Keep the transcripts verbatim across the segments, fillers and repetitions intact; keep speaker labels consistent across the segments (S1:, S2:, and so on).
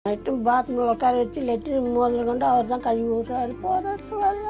S1: Latrine பாத்ரூமில் உட்கார வச்சு லெட்ரின் முதல்ல கொண்டு அவர் தான் கழுவி விட்றாரு, போறாரு வரல,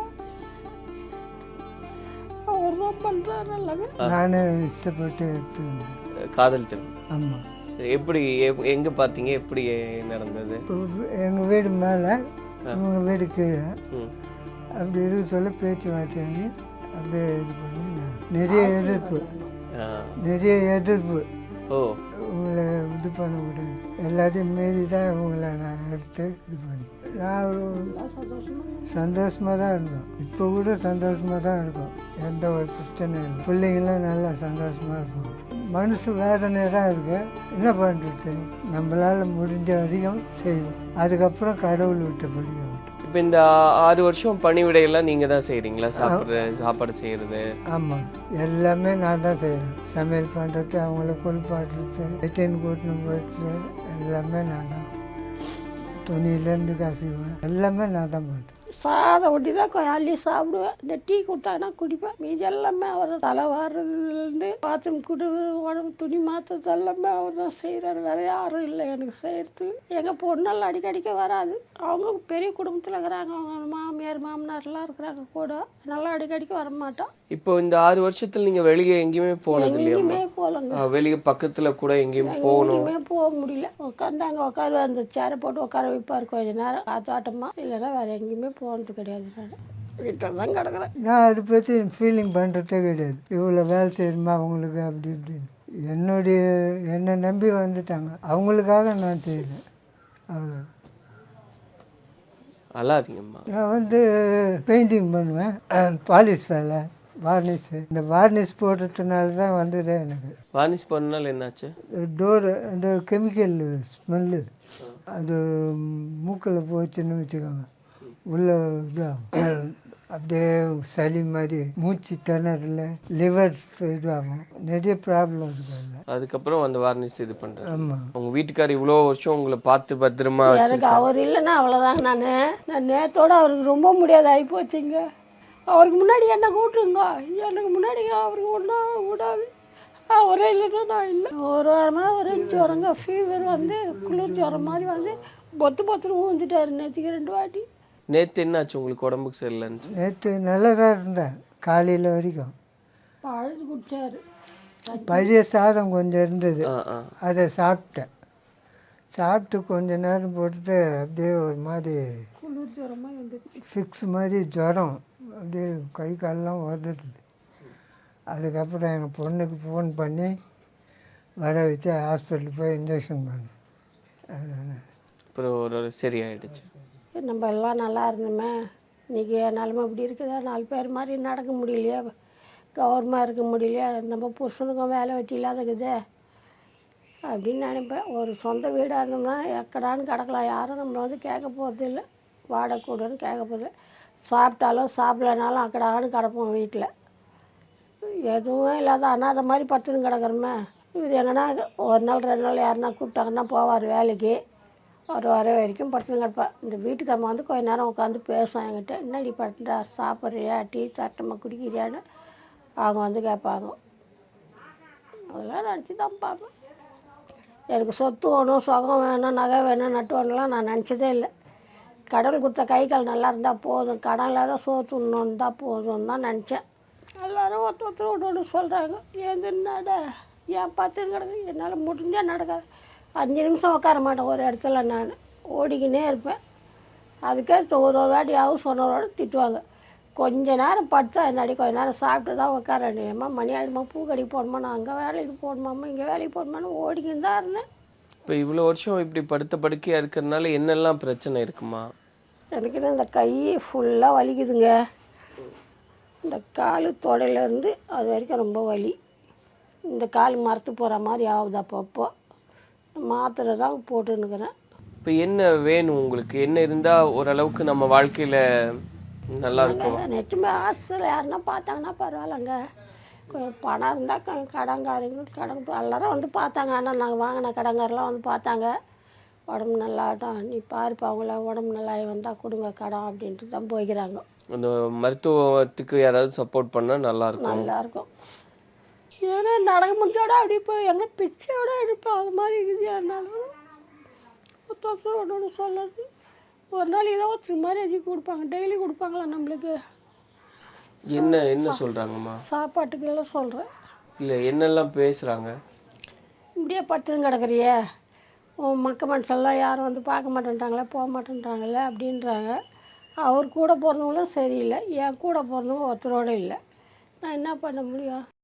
S1: அவர் தான் பண்ணுறாரு எல்லாமே.
S2: நானே இஷ்டப்பட்டு எடுத்து
S3: காதல் திருமணம்.
S2: ஆமாம்.
S3: எப்படி எங்க பாத்தீங்க, எப்படி நடந்தது?
S2: எங்கள் வீடு மேலே இவங்க வீடு கீழே அப்படி இருக்க சொல்ல பேச்சு வார்த்தையாகி அப்படியே இது பண்ணி நிறைய எதிர்ப்பு நிறைய எதிர்ப்பு
S3: ஓ
S2: உங்களை இது பண்ண முடியாது, எல்லாத்தையும் மீறி தான் உங்களை நான் எடுத்து இது பண்ணி நான் சந்தோஷமாக தான் இருந்தோம். இப்போ கூட சந்தோஷமாக தான் இருக்கும், எந்த ஒரு பிரச்சனையும் இல்லை. பிள்ளைங்களும் நல்லா சந்தோஷமாக இருக்கும். மனசு வேதனையாக தான் இருக்கு, என்ன பண்ணுறது, நம்மளால் முடிஞ்ச வரைக்கும் செய்வோம். அதுக்கப்புறம் கடவுள் விட்ட பிள்ளைங்க.
S3: இப்போ இந்த ஆறு வருஷம் பணிவிடையெல்லாம் நீங்கள் தான் செய்கிறீங்களா? சாப்பிட்ற சாப்பாடு செய்கிறது?
S2: ஆமாம், எல்லாமே நான் தான் செய்கிறேன். சமையல் பண்ணுறது, அவங்கள குளிப்பாட்டுறது, வெட்டின் கூட்டணும் போயிட்டு எல்லாமே நான் தான். துணியிலேருந்து கசிவேன், எல்லாமே நான் தான் போயிட்டு.
S1: சாதம் ஒட்டி தான் அள்ளி சாப்பிடுவேன். இந்த டீ கொடுத்தாங்கன்னா குடிப்பேன். மீதி எல்லாமே அவர் தலை வாடுறதுலேருந்து பாத்ரூம் குடு உடம்பு துணி மாற்றுறது எல்லாமே அவர் தான் செய்கிறாரு. வேறு யாரும் இல்லை எனக்கு செய்கிறது. எங்கள் பொண்ணெல்லாம் அடிக்கடிக்க வராது, அவங்க பெரிய குடும்பத்தில் இருக்கிறாங்க, அவங்க மாமியார் மாமனார்லாம் இருக்கிறாங்க கூட, நல்லா அடிக்கடிக்க வர மாட்டோம்.
S3: இப்போ இந்த ஆறு வருஷத்துல நீங்க வெளியே எங்கேயுமே போனது இல்லையா?
S1: எங்கேயுமே போகலங்க,
S3: வெளியே பக்கத்துல கூட எங்கேயும் போகணும்
S1: எங்கேயுமே போக முடியல. உட்காந்தாங்க உட்காரு, அந்த சேரை போட்டு உட்கார வைப்பார் கொஞ்ச நேரம் காத்தாட்டமா, இல்லைன்னா வேற எங்கேயுமே போனது கிடையாது. நான் வீட்டில் தான் கிடக்குறேன்.
S2: நான் அதை பற்றி ஃபீலிங் பண்ணுறதே கிடையாது. இவ்வளோ வேலை செய்யணுமா அவங்களுக்கு அப்படி இப்படின்னு என்னுடைய என்னை நம்பி வந்துட்டாங்க, அவங்களுக்காக நான் செய்யலை, அவ்வளோ.
S3: அல்லாதீங்கம்மா.
S2: நான் வந்து பெயிண்டிங் பண்ணுவேன், பாலிஷ் வேலை, வார்னிஷ். இந்த வார்னிஷ் போடுறதுனால தான் வந்ததே எனக்கு.
S3: வார்னிஷ் பண்ணனால என்னாச்சு?
S2: டோரு அந்த கெமிக்கல் ஸ்மெல்லு அது மூக்கில் போச்சுன்னு வச்சுக்கோங்க, உள்ள இதாகும், அப்படியே சளி மாதிரி, மூச்சு திணறல, லிவர் இதாகும், நிறைய ப்ராப்ளம் இருக்குது.
S3: அதுக்கப்புறம் அந்த வார்னிஷ் இது பண்ணுறேன்.
S2: ஆமாம்.
S3: உங்கள் வீட்டுக்கார் இவ்வளோ வருஷம் உங்களை பார்த்து பத்திரமா
S1: எனக்கு அவர் இல்லைன்னா அவ்வளோதாங்க. நான் நான் நேரத்தோடு அவருக்கு ரொம்ப முடியாது ஆகி போச்சுங்க. அவருக்கு முன்னாடி என்ன கூட்டுங்க, எனக்கு முன்னாடி அவருக்கு ஒன்றா விடாது. அவரே இல்லைன்னா நான் இல்லை. ஒரு வாரமாக ஒரு ஜுரங்க ஃபீவர் வந்து குளிர் ஜுரம் மாதிரி வந்து பொத்து பொத்துன்னு ஊந்துட்டாரு நேற்றுக்கு ரெண்டு வாட்டி.
S3: நேற்று என்னாச்சு உங்களுக்கு உடம்புக்கு சரியில்லைன்னு?
S2: நேற்று நல்லா தான் இருந்தேன், காலையில் வரைக்கும்
S1: பழுது குடிச்சாரு.
S2: பழைய சாதம் கொஞ்சம் இருந்தது,
S3: ஆ ஆ
S2: அதை சாப்பிட்டேன். சாப்பிட்டு கொஞ்ச நேரம் போட்டுட்டு அப்படியே ஒரு மாதிரி
S1: குளிர் ஜுரமாக வந்துடுச்சு,
S2: ஃபிக்ஸ் மாதிரி ஜுரம், அப்படியே கை காலெலாம் உதறது. அதுக்கப்புறம் எங்கள் பொண்ணுக்கு ஃபோன் பண்ணி வர வச்சு ஹாஸ்பிட்டலுக்கு போய் இன்ஜெக்ஷன் பண்ணேன். அதுதானே
S3: அப்புறம் ஒரு சரியாயிடுச்சு.
S1: நம்ம எல்லாம் நல்லா இருந்தோமே, இன்றைக்கி நிலமை இப்படி இருக்குதா, நாலு பேர் மாதிரி நடக்க முடியலையா, கௌரவமாக இருக்க முடியலையா, நம்ம புருஷனுக்கும் வேலை வெட்டி இல்லாதக்குதே அப்படின்னு நினைப்பேன். ஒரு சொந்த வீடாக இருந்தோம்னா எக்கடான்னு கிடக்கலாம், யாரும் நம்மளை வந்து கேட்க போகிறது இல்லை, வாடகை கூடன்னு கேட்க போகிறது. சாப்பிட்டாலும் சாப்பிடலனாலும் அக்கடான்னு கிடப்போம் வீட்டில், எதுவும் இல்லாத அனாதை மாதிரி பத்துன்னு கிடக்குறோமே. இது எங்கன்னா ஒரு நாள் ரெண்டு நாள் யாருன்னா கூப்பிட்டாங்கன்னா போவார் வேலைக்கு, ஒரு வர வரைக்கும் படுத்துன்னு கிடப்பேன். இந்த வீட்டுக்காரம்மா வந்து கொஞ்ச நேரம் உட்காந்து பேசும் என்கிட்ட, என்னடி படுத்துட்டா, சாப்பிட்றியா, டீ தட்டமாக குடிக்கிறியான்னு அவங்க வந்து கேட்பாங்க. அதெல்லாம் நினச்சி தான் பார்ப்பேன். எனக்கு சொத்து வேணும், சுகம் வேணும், நகை வேணும், நட்டு வேணும்லாம் நான் நினச்சதே இல்லை. கடவுள் கொடுத்த கை கால் நல்லா இருந்தால் போதும், கடன் இல்லாத சோத்து ஒன்று தான் போதும் தான் நினச்சேன். எல்லோரும் ஒருத்தர் ஒருத்தர் ஒன்று ஒன்று சொல்கிறாங்க, ஏந்து நட, ஏன் பார்த்து கிடக்கு, என்னால் முடிஞ்சால் நடக்காது. அஞ்சு நிமிஷம் உட்கார மாட்டேன் ஒரு இடத்துல, நான் ஓடிக்கினே இருப்பேன். அதுக்கே ஒரு ஒரு வாட்டி ஹவுஸ் ஓனரோட திட்டுவாங்க, கொஞ்ச நேரம் படுத்தா என்னாடி, கொஞ்ச நேரம் சாப்பிட்டு தான் உட்கார, ஏம்மா மணி ஆகிடுமா, பூ கடைக்கு போகணுமா, நான் அங்கே வேலைக்கு போகணுமாம்மா, இங்கே வேலைக்கு போகணுமான்னு ஓடிக்கின்னு தான் இருந்தேன்.
S3: இப்போ இவ்வளோ வருஷம் இப்படி படுத்த படுக்கையாக இருக்கிறதுனால என்னெல்லாம் பிரச்சனை இருக்குமா?
S1: எனக்கு இந்த கை ஃபுல்லாக வலிக்குதுங்க, இந்த கால் தொடையிலேருந்து அது வரைக்கும் ரொம்ப வலி. இந்த கால் மரத்து போகிற மாதிரி ஆகுது, அப்பப்போ மாத்திரை தான் போட்டுன்னுக்கிறேன்.
S3: இப்போ என்ன வேணும் உங்களுக்கு? என்ன இருந்தால் ஓரளவுக்கு நம்ம வாழ்க்கையில் நல்லா இருக்கும்?
S1: நெட்டுமே ஹாஸ்டலில் யாருன்னா பார்த்தாங்கன்னா பரவாயில்லங்க, கொஞ்சம் பணம் இருந்தால் க கடங்காரங்க கடன் எல்லாரும் வந்து பார்த்தாங்க. ஆனால் நாங்கள் வாங்கின கடங்காரெலாம் வந்து பார்த்தாங்க, உடம்பு நல்லாட்டம், நீ பாருப்பா அவங்கள உடம்பு நல்லா வந்தால் கொடுங்க கடன் அப்படின்ட்டு தான் போய்க்கிறாங்க.
S3: அந்த மருத்துவத்துக்கு யாராவது சப்போர்ட் பண்ணால் நல்லாயிருக்கும்.
S1: நல்லாயிருக்கும். ஏன்னா நடக்க முடிஞ்சோட அப்படி போய் எங்கே பிச்சையோட எடுப்போம், அது மாதிரி இருக்குது. என்னாலும் ஒருத்தர் ஒன்று ஒன்று சொல்லுறது. ஒரு நாள் இருபத்தி மேரேஜ் கொடுப்பாங்க, டெய்லி கொடுப்பாங்களா நம்மளுக்கு?
S3: என்ன என்ன சொல்றாங்கம்மா?
S1: சாப்பாட்டுக்கெல்லாம் சொல்கிறேன்.
S3: இல்லை என்னெல்லாம் பேசுகிறாங்க?
S1: இப்படியே பத்துன்னு கிடக்குறியே, உன் மக்க மனுஷெல்லாம் யாரும் வந்து பார்க்க மாட்டேன்ட்டாங்களே, போக மாட்டேன்ட்டாங்களே அப்படின்றாங்க. அவர் கூட பிறந்தவங்களும் சரியில்லை, என் கூட பிறந்தவங்க ஒருத்தரோடு இல்லை. நான் என்ன பண்ண முடியும்?